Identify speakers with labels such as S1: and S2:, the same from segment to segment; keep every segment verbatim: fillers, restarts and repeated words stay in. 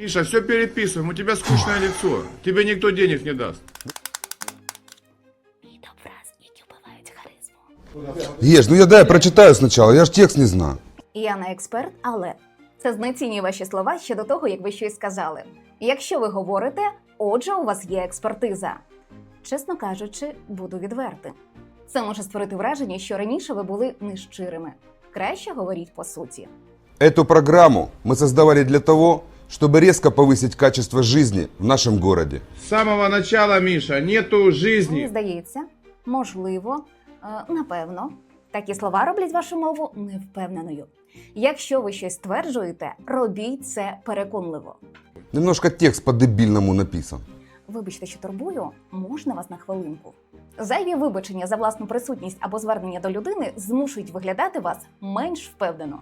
S1: Миша, все переписываем, у тебя скучное лицо. Тебе никто денег не даст.
S2: Ешь, ну я дай прочитаю сначала, я ж текст не знаю.
S3: Я не експерт, але це знецінює ваші слова ще до того, як ви щось сказали. Якщо ви говорите, отже, у вас є експертиза. Чесно кажучи, буду відвертим. Це може створити враження, що раніше ви були нещирими. Краще говоріть по суті.
S2: Эту программу мы создавали для того, чтобы резко повысить качество жизни в нашем городе.
S1: С самого начала, Миша, нету
S3: Мені
S1: жизни.
S3: здається, можливо, е, напевно, такі слова роблять вашу мову невпевненою. Якщо ви щось стверджуєте, робіть це переконливо.
S2: Немножко текст по-дебильному написан.
S3: Вибачте, що турбую, можна вас на хвилинку? Зайві вибачення за власну присутність або звернення до людини змушують виглядати вас менш впевнено.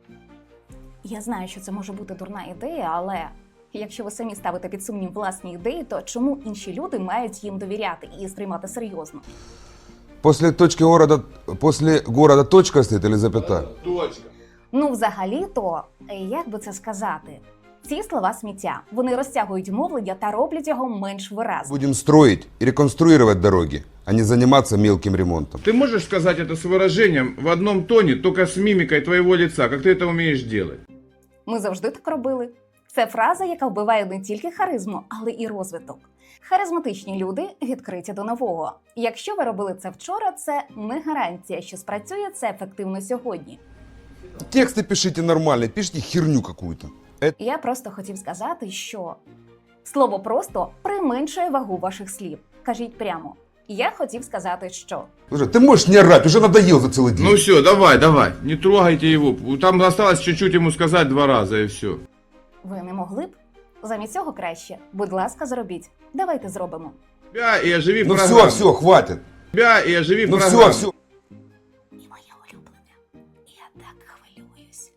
S3: Я знаю, що це може бути дурна ідея, але якщо ви самі ставите під сумнів власні ідеї, то чому інші люди мають їм довіряти і сприймати серйозно?
S2: После точки города, после города точка стоит или запятая?
S1: Точка.
S3: Ну, взагалі-то, як би це сказати? Ці слова сміття. Вони розтягують мовлення та роблять його менш виразним.
S2: Будем строить и реконструировать дороги, а не заниматься мелким ремонтом.
S1: Ты можешь сказать это с выражением в одном тоне, только с мимикой твоего лица, как ты это умеешь делать?
S3: Ми завжди так робили. Це фраза, яка вбиває не тільки харизму, але і розвиток. Харизматичні люди відкриті до нового. Якщо ви робили це вчора, це не гарантія, що спрацює це ефективно сьогодні.
S2: Тексты пишите нормально, пишите херню какую-то.
S3: Я просто хотів сказати, що слово «просто» применшує вагу ваших слів. Кажіть прямо. Я хотів сказати, що...
S2: Слушай, ты можешь не орать, уже надоел за целый день.
S1: Ну все, давай, давай, не трогайте его. Там осталось чуть-чуть ему сказать два раза и все.
S3: Ви не могли б? Замість цього краще. Будь ласка, зробіть. Давайте зробимо.
S1: Тебя и оживи
S2: Ну
S1: программу.
S2: все, все, хватит.
S1: Тебя и оживи
S2: Ну
S1: программу.
S2: все, все.
S3: І моє улюблене. Я так хвилююсь.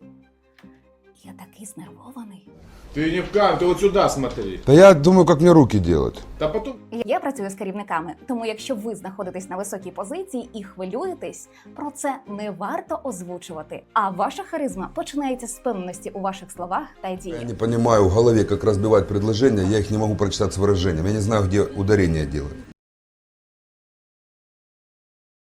S3: Я такий знервований.
S1: Ты не в кам, ты вот сюда смотри.
S2: Да я думаю, как мне руки делать.
S1: Да потом...
S3: Я працюю з керівниками, тому якщо ви знаходитесь на високій позиції і хвилюєтесь, про це не варто озвучувати. А ваша харизма починається з впевненості у ваших словах та
S2: Я
S3: діях.
S2: не понимаю в голове, как разбивать предложения, я их не могу прочитать с выражением. Я не знаю, где ударение делать.